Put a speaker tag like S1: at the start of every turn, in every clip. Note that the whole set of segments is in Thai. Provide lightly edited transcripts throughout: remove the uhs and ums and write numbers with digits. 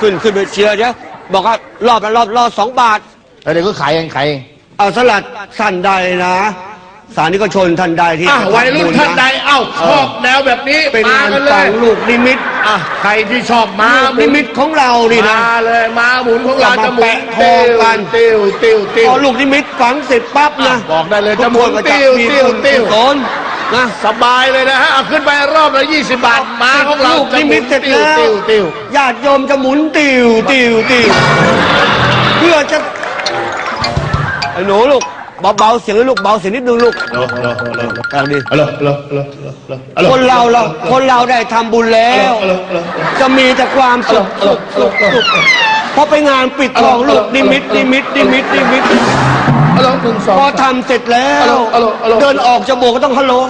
S1: ขึ้นไปเชียร์เดี๋ยวบอกว่ารอบ2 บาท
S2: แล้วเดี๋ยวก็ขายเอง
S1: เอาสลัดท่านใดนะสานิกชนท่านใดที่
S3: วัยรุ่นท่านใดชอบแนวแบบนี้
S1: เป็นงานฝังลูกนิมิต
S3: ใครที่ชอบม้า
S1: นิมิตของเรานี่นะ
S3: มาเลยม้าหมุนของเราจะหมุน
S1: ทองกัน
S3: ติ้ว
S1: พอลูกนิมิตฝังเสร็จปั๊บนะ
S3: บอกได้เลยจะหมุนติ้ว
S1: นะ
S3: สบายเลยนะฮะขึ้นไปรอบละ20 บาทม้าของเรา
S1: ลูกนิมิตเสร็จแล้วญาติโยมจะหมุนติ้วเพื่อจะไอ้หนูลูกเบาเสียงลูกเบาเสียงนิดนึงลูกดีคนเราได้ทำบุญแล้วจะมีแต่ความสุขพอไปงานปิดทองลูกนิมิตพอทำเสร็จแล้วเดินออกจะโบกก็ต้องฮัลโหล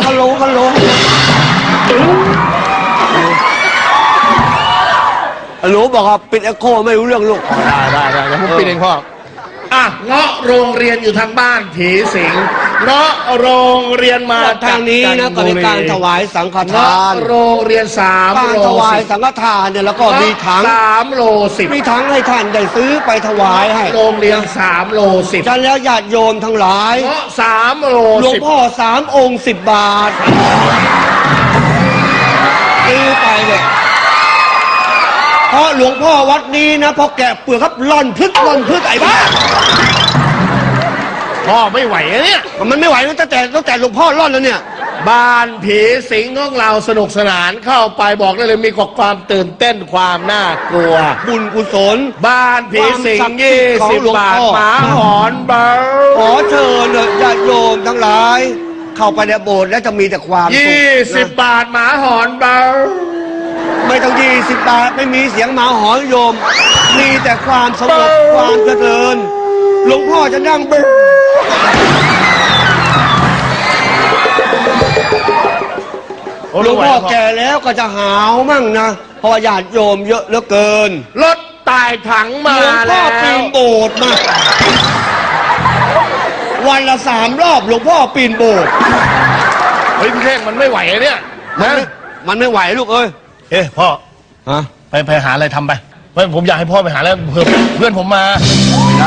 S1: หนูบอกว่าปิดเอ็กโคไม่รู้เรื่องลูก
S2: ได้ผมปิดเองพ่อ
S3: เงาะโรงเรียนอยู่ทางบ้านผีสิงเงาะโรงเรียนมา
S1: ทางนี้นะก็มีการถวายสังฆทาน
S3: โรงเรียน3
S1: การถวายสังฆทานเนี่ยแล้วก็มีถัง
S3: 3 โล 10
S1: มีถังให้ท่านได้ซื้อไปถวายให้
S3: โรงเรียน3 โล 10
S1: ฉันแล้วญาติโยมทั้งหลาย
S3: เงาะ3 โล
S1: หลวงพ่อ3 องค์10 บาทซื้อไปเนี่ยเพราะหลวงพ่อวัดนี้นะพอแกะเปลือกครับล่อนพึกไอ้บ้า
S3: พ่อไม่ไหวเนี่ย
S1: มันไม่ไหวตั้งแต่หลวงพ่อล่อนแล้วเนี่ย
S3: บ้านผีสิงของเราสนุกสนานเข้าไปบอกได้เลยมีความตื่นเต้นความน่ากลัว
S1: บุญกุศล
S3: บ้านผีสิง20 บาทหมาหอนเบา
S1: ขอเชิญญาติโยมทั้งหลายเข้าไปในโบสถ์แล้วจะมีแต่ความสุข
S3: 20 บาทหมาหอนเบา
S1: ไม่ต้อง20 บาทไม่มีเสียงหมาหอนโยมมีแต่ความสงบความเจริญหลวงพ่อจะนั่งเบหลวงพ่อแก่แล้วก็จะหาวมั่งนะเพราะญาติโยมเยอะเหลือเกิน
S3: รถตายถังมา
S1: แล้วหลวงพ่อปีนโบสถ์มาวันละ3 รอบหลวงพ่อปีนโบสถ์
S3: พี่เท่งมันไม่ไหวเนี่ย
S1: มันไม่ไหวลูกเอ้ย
S3: พ่อไปหาอะไรทำไปผมอยากให้พ่อไปหาแล้วเพื่อนผมมา